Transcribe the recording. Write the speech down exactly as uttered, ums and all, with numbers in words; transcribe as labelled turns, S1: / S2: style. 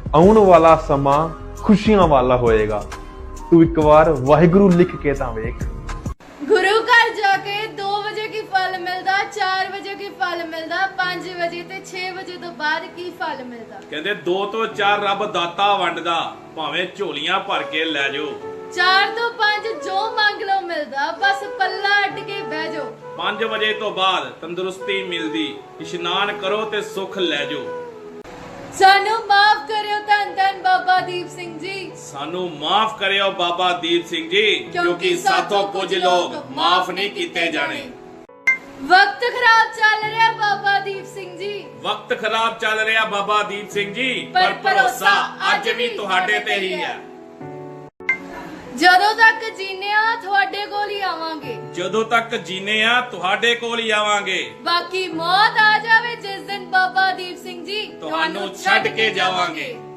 S1: ਆਉਣ ਵਾਲਾ ਸਮਾਂ ਖੁਸ਼ੀਆਂ ਵਾਲਾ ਹੋਏਗਾ। ਤੂੰ ਇੱਕ ਵਾਰ ਵਾਹਿਗੁਰੂ ਲਿਖ ਕੇ ਤਾਂ ਵੇਖ।
S2: गुरु घर जाके दो बजे की फल मिलदा, चार बजे की फल मिलदा, पांच बजे ते छे बजे तो बाद की फल मिलदा।
S3: ਕਹਿੰਦੇ ਦੋ ਤੋਂ ਚਾਰ ਰੱਬ ਦਾਤਾ ਵੰਡਦਾ, ਭਾਵੇਂ ਝੋਲੀਆਂ ਭਰ ਕੇ ਲੈ ਜਾਓ।
S2: चार तो पांच जो मांग लो मिलदा, बस पल्ला अट के बह जाओ।
S3: ਪੰਜ ਵਜੇ ਤੋਂ ਬਾਅਦ ਤੰਦਰੁਸਤੀ ਮਿਲਦੀ, ਇਸ਼ਨਾਨ ਕਰੋ ਤੇ ਸੁੱਖ ਲੈ ਜਾਓ।
S2: सानू माफ करियो धन धन बाबा दीप सिंह जी।
S3: ਸਾਨੂੰ ਮਾਫ ਕਰਿਓ ਬਾਬਾ ਦੀਪ ਸਿੰਘ ਜੀ, ਕਿਉਂਕਿ ਸਾਥੋਂ ਕੁਝ ਲੋਕ ਮਾਫ ਨਹੀਂ ਕੀਤੇ ਜਾਣੇ।
S2: वक्त खराब चल रहा बाबा दीप सिंह जी,
S3: ਵਕਤ ਖਰਾਬ ਚੱਲ ਰਿਹਾ ਬਾਬਾ ਦੀਪ ਸਿੰਘ ਜੀ,
S2: ਪਰ
S3: ਪਰ ਭਰੋਸਾ ਅੱਜ ਵੀ ਤੁਹਾਡੇ ਤੇ ਹੀ ਹੈ।
S2: ਜਦੋਂ ਤੱਕ ਜੀਨੇ ਆ ਤੁਹਾਡੇ ਕੋਲ ਹੀ ਆਵਾਂਗੇ।
S3: ਜਦੋਂ ਤੱਕ ਜੀਨੇ ਆ ਤੁਹਾਡੇ ਕੋਲ ਹੀ ਆਵਾਂਗੇ।
S2: ਬਾਕੀ ਮੌਤ ਆ ਜਾਵੇ ਜਿਸ ਦਿਨ ਬਾਬਾ ਦੀਪ ਸਿੰਘ ਜੀ
S3: ਤੁਹਾਨੂੰ ਛੱਡ ਕੇ ਜਾਵਾਂਗੇ।